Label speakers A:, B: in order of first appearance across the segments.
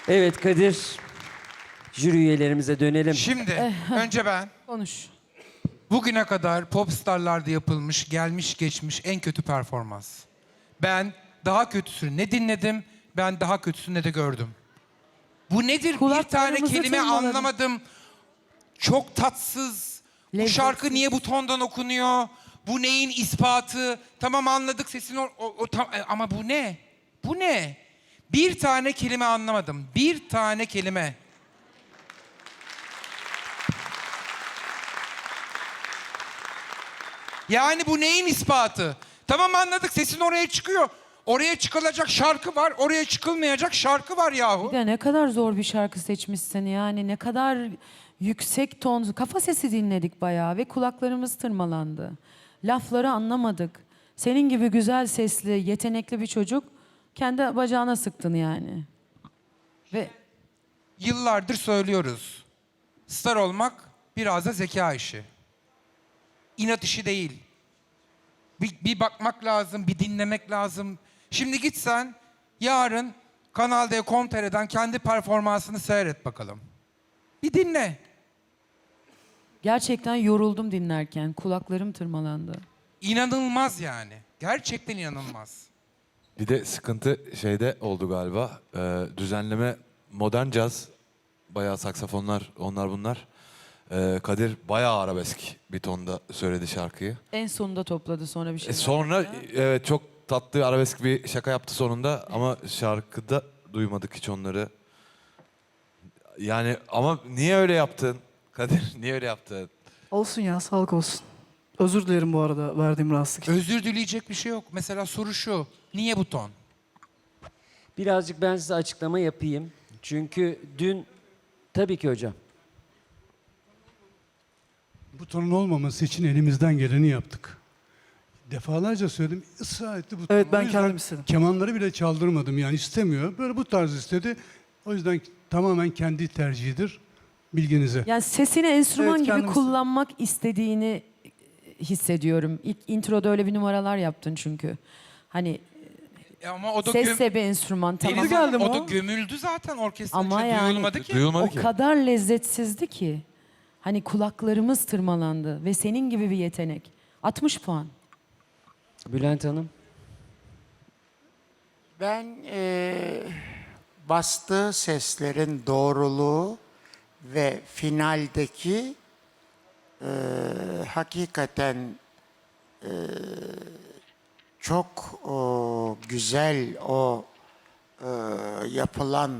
A: Evet Kadir, jüri üyelerimize dönelim.
B: Şimdi önce ben
C: Konuş.
B: bugüne kadar Popstar'larda yapılmış, gelmiş geçmiş en kötü performans. Ben daha kötüsünü ne dinledim, ben daha kötüsünü ne de gördüm. Bu nedir? Bir tane
C: Kulaklarımızı
B: kelime
C: tırmaladım.
B: anlamadım. Çok tatsız. Bu
C: Lezzetsiz.
B: şarkı niye bu tondan okunuyor? Bu neyin ispatı? Tamam anladık sesin ama bu ne? Bu ne? Bir tane kelime anlamadım. Bir tane kelime. Yani bu neyin ispatı? Tamam anladık sesin oraya çıkıyor. Oraya çıkılacak şarkı var, oraya çıkılmayacak şarkı var yahu.
C: Bir de ne kadar zor bir şarkı seçmişsin yani. Ne kadar yüksek ton, kafa sesi dinledik bayağı ve kulaklarımız tırmalandı. Lafları anlamadık. Senin gibi güzel sesli, yetenekli bir çocuk kendi bacağına sıktın yani. Ve
B: Yıllardır söylüyoruz. Star olmak biraz da zeka işi. İnat işi değil. Bir bakmak lazım, bir dinlemek lazım. Şimdi gitsen yarın Kanal D.com.tr'den kendi performansını seyret bakalım. Bir dinle.
C: gerçekten yoruldum dinlerken. Kulaklarım tırmalandı.
B: İnanılmaz yani. Gerçekten inanılmaz.
D: Bir de sıkıntı şeyde oldu galiba. Düzenleme modern caz. Bayağı saksafonlar, onlar bunlar. Kadir bayağı arabesk bir tonda söyledi şarkıyı.
C: En sonunda topladı sonra bir şey.
D: Sonra evet çok tatlı arabesk bir şaka yaptı sonunda ama şarkıda duymadık hiç onları. Yani ama niye öyle yaptın? Kadir niye öyle yaptın?
E: Olsun ya, sağlık olsun. Özür dilerim bu arada verdiğim rahatsızlık için.
B: Özür dileyecek bir şey yok. Mesela soru şu. Niye bu ton?
A: Birazcık ben size açıklama yapayım. Çünkü dün, tabii ki hocam.
F: Butonun olmaması için elimizden geleni yaptık. Defalarca söyledim, ısrar etti buton.
E: Evet, ben
F: O yüzden
E: kendim istedim.
F: Kemanları bile çaldırmadım yani istemiyor. Böyle bu tarz istedi. O yüzden tamamen kendi tercihidir. Bilginize.
C: Yani sesini enstrüman
E: Evet,
C: gibi
E: kendim
C: kullanmak istediğini hissediyorum. İlk introda öyle bir numaralar yaptın çünkü. Hani
B: Ama o da
C: ses de bir enstrüman tamam.
B: Deniz
E: geldi mi
B: o da
E: o?
B: gömüldü zaten orkestra
C: Ama
B: içinde.
C: yani-
B: Duyulmadı ki.
D: Duyulmadı
C: O
D: ki.
C: kadar lezzetsizdi ki. Hani kulaklarımız tırmalandı ve senin gibi bir yetenek. 60 puan.
A: Bülent Hanım.
G: Ben bastığı seslerin doğruluğu ve finaldeki hakikaten çok güzel o yapılan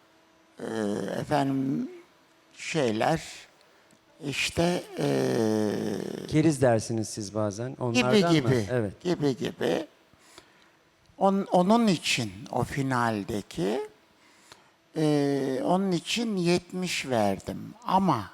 G: efendim şeyler işte
A: Keriz dersiniz siz bazen. Onlardan
G: gibi
A: mı?
G: gibi
A: Evet.
G: gibi onun için o finaldeki onun için 70 verdim ama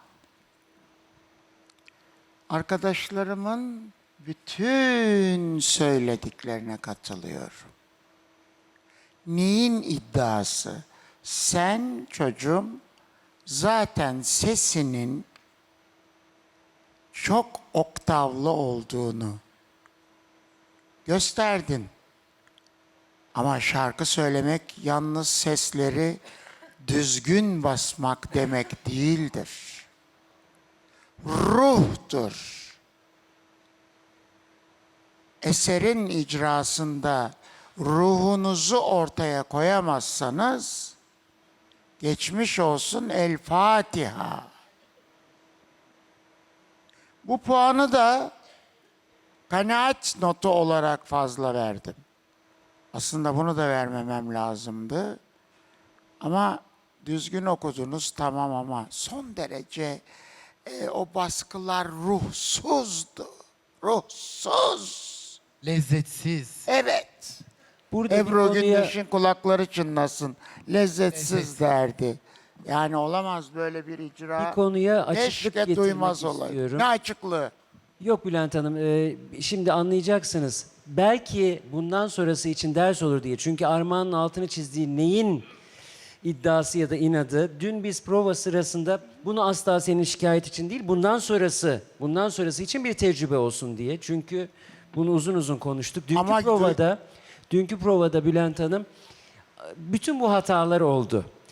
G: arkadaşlarımın bütün söylediklerine katılıyorum. Neyin iddiası? Sen çocuğum zaten sesinin çok oktavlı olduğunu gösterdin. Ama şarkı söylemek yalnız sesleri düzgün basmak demek değildir. Ruhtur. Eserin icrasında ruhunuzu ortaya koyamazsanız geçmiş olsun El Fatiha. Bu puanı da kanaat notu olarak fazla verdim. Aslında bunu da vermemem lazımdı. Ama düzgün okudunuz tamam ama son derece o baskılar ruhsuzdu. Ruhsuz.
B: Lezzetsiz.
G: Evet.
A: Burada
G: Ebru
A: bir konuya...
G: Gündeş'in kulakları çınlasın. Lezzetsiz derdi. Yani olamaz böyle bir icra.
A: Bir konuya açıklık
G: Keşke
A: getirmek
G: duymaz olaydı.
A: istiyorum.
G: Ne açıklığı?
A: Yok Bülent Hanım, şimdi anlayacaksınız. Belki bundan sonrası için ders olur diye. Çünkü Armağan'ın altını çizdiği neyin iddiası ya da inadı. Dün biz prova sırasında bunu asla senin şikayet için değil, bundan sonrası için bir tecrübe olsun diye. Çünkü bunu uzun uzun konuştuk.
G: Ama
A: Dünkü provada Bülent Hanım bütün bu hatalar oldu.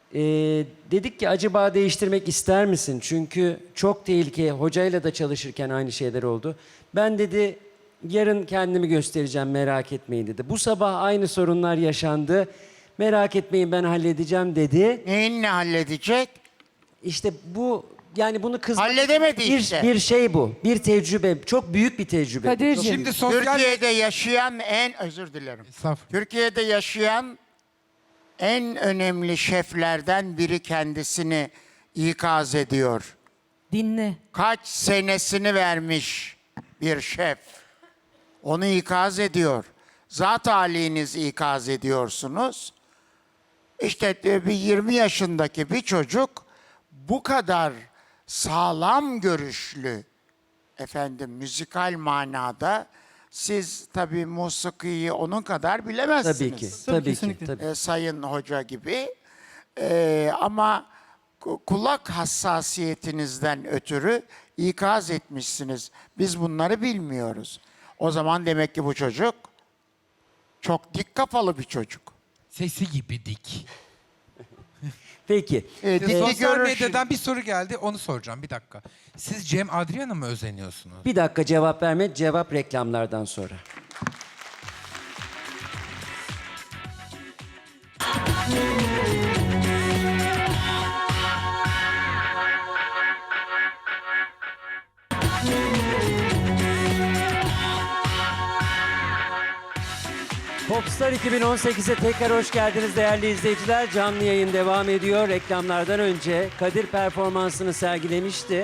A: Dedik ki acaba değiştirmek ister misin? Çünkü çok tehlikeli. Hocayla da çalışırken aynı şeyler oldu. Ben dedi yarın kendimi göstereceğim, merak etmeyin dedi. Bu sabah aynı sorunlar yaşandı. Merak etmeyin, ben halledeceğim dedi.
G: Neyin ne halledecek?
A: İşte bu, yani bunu
G: Halledemedi işte.
A: bir şey bu. Bir tecrübe. Çok büyük bir tecrübe.
C: Kadir'cim,
B: Şimdi sosyal...
G: Türkiye'de yaşayan özür dilerim.
B: Estağfurullah.
G: Türkiye'de yaşayan en önemli şeflerden biri kendisini ikaz ediyor.
C: dinle.
G: Kaç senesini vermiş bir şef. Onu ikaz ediyor. Zat haliniz ikaz ediyorsunuz. İşte bir 20 yaşındaki bir çocuk bu kadar sağlam görüşlü, efendim müzikal manada, siz tabii musikiyi onun kadar bilemezsiniz.
A: Tabii ki. Tabii ki.
E: kesinlikle.
A: Tabii.
G: Sayın Hoca gibi. Ama kulak hassasiyetinizden ötürü ikaz etmişsiniz. Biz bunları bilmiyoruz. O zaman demek ki bu çocuk çok dik kafalı bir çocuk.
B: Sesi gibi dik.
A: Peki.
G: Dikli
B: Sosyal
G: görüş-
B: medyadan bir soru geldi, onu soracağım. Bir dakika. Siz Cem Adrian'a mı özeniyorsunuz?
A: Bir dakika, cevap verme. Cevap reklamlardan sonra. Popstar 2018'e tekrar hoş geldiniz değerli izleyiciler. Canlı yayın devam ediyor. Reklamlardan önce Kadir performansını sergilemişti.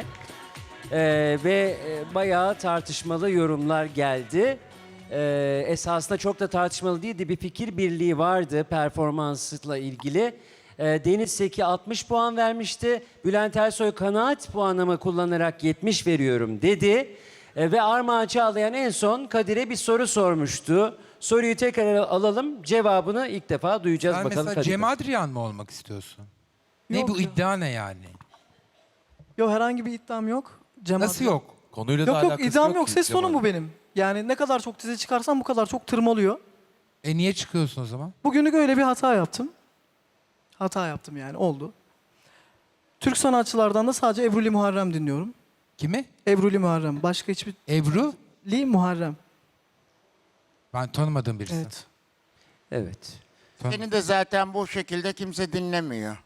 A: Bayağı tartışmalı yorumlar geldi. Esasında çok da tartışmalı değildi. Bir fikir birliği vardı performansla ilgili. Deniz Seki 60 puan vermişti. Bülent Ersoy kanaat puanımı kullanarak 70 veriyorum dedi. Ve Armağan Çağlayan en son Kadir'e bir soru sormuştu. Soruyu tekrar alalım. Cevabını ilk defa duyacağız
B: Sen
A: bakalım
B: mesela
A: Kadir'den.
B: Cem Adrian mı olmak istiyorsun? Ne
E: Yok
B: bu
E: ya.
B: iddia ne yani?
E: Yok, herhangi bir iddiam yok. Cem
B: Nasıl
E: Adrian-
B: yok?
D: Konuyla da
E: Yok yok,
D: alakası
E: iddiam
D: ki
E: yok. Ses
D: Cemal.
E: tonum bu benim. Yani ne kadar çok dizi çıkarsam bu kadar çok tırmalıyor.
B: Niye çıkıyorsun o zaman?
E: Bugünlük öyle bir hata yaptım. Hata yaptım yani, oldu. Türk sanatçılardan da sadece Ebruli Muharrem dinliyorum.
B: Kimi?
E: Ebruli Muharrem. Başka hiçbir...
B: Ebru?
E: Li Muharrem.
B: Ben tanımadığım birisi.
E: Evet.
A: Evet.
G: Seni de zaten bu şekilde kimse dinlemiyor.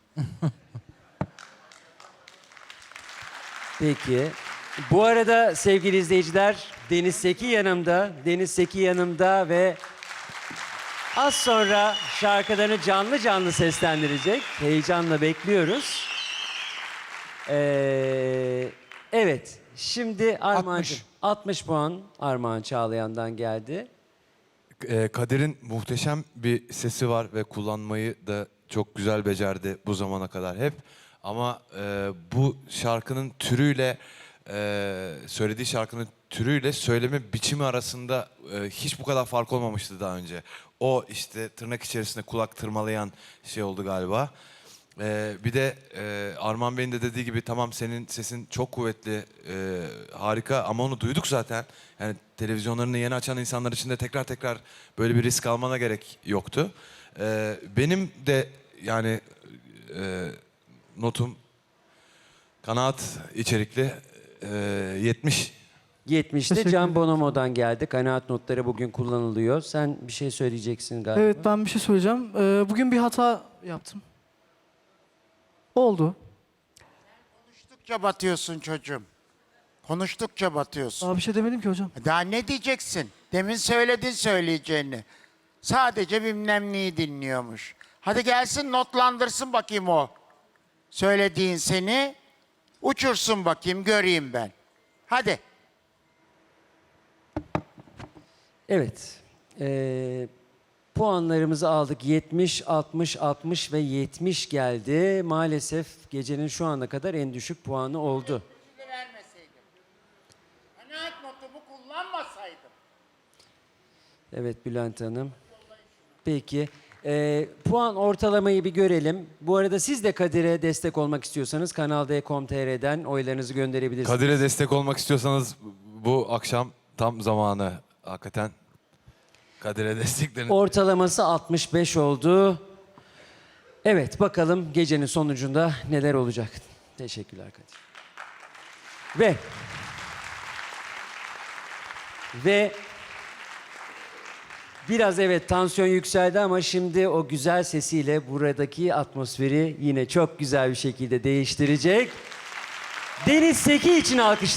A: Peki. Bu arada sevgili izleyiciler, Deniz Seki yanımda. Deniz Seki yanımda ve az sonra şarkılarını canlı canlı seslendirecek. Heyecanla bekliyoruz. Evet. Şimdi Armağancığım. 60 puan Armağan Çağlayan'dan geldi.
D: Kadir'in muhteşem bir sesi var ve kullanmayı da çok güzel becerdi bu zamana kadar hep. Ama bu şarkının türüyle, söylediği şarkının türüyle söyleme biçimi arasında hiç bu kadar fark olmamıştı daha önce. O işte tırnak içerisinde kulak tırmalayan şey oldu galiba. Bir de Arman Bey'in de dediği gibi tamam senin sesin çok kuvvetli, harika ama onu duyduk zaten. Yani televizyonlarını yeni açan insanlar için de tekrar tekrar böyle bir risk almana gerek yoktu. Benim de yani notum kanaat içerikli 70.
A: 70'te
E: Teşekkür
A: Can
E: ederim.
A: Bonomo'dan geldi. Kanaat notları bugün kullanılıyor. Sen bir şey söyleyeceksin galiba.
E: Evet, ben bir şey söyleyeceğim. Bugün bir hata yaptım. Oldu.
G: Konuştukça batıyorsun çocuğum. Konuştukça batıyorsun.
E: Daha bir şey demedim ki hocam.
G: Daha ne diyeceksin? Demin söyledin söyleyeceğini. Sadece bilmem neyi dinliyormuş. Hadi gelsin notlandırsın bakayım o. Söylediğin seni. Uçursun bakayım, göreyim ben. Hadi.
A: Evet. Puanlarımızı aldık. 70, 60, 60 ve 70 geldi. Maalesef gecenin şu ana kadar en düşük puanı oldu.
G: Vermeseydim. Kanaat notumu kullanmasaydım.
A: Evet Bülent Hanım. Peki. Puan ortalamayı bir görelim. Bu arada siz de Kadir'e destek olmak istiyorsanız Kanal D.com.tr'den oylarınızı gönderebilirsiniz.
D: Kadir'e destek olmak istiyorsanız bu akşam tam zamanı hakikaten. Kadir'e desteklerini.
A: Ortalaması 65 oldu. Evet, bakalım gecenin sonucunda neler olacak. Teşekkürler Kadir. Ve biraz evet tansiyon yükseldi ama şimdi o güzel sesiyle buradaki atmosferi yine çok güzel bir şekilde değiştirecek. Deniz Seki için alkışlar.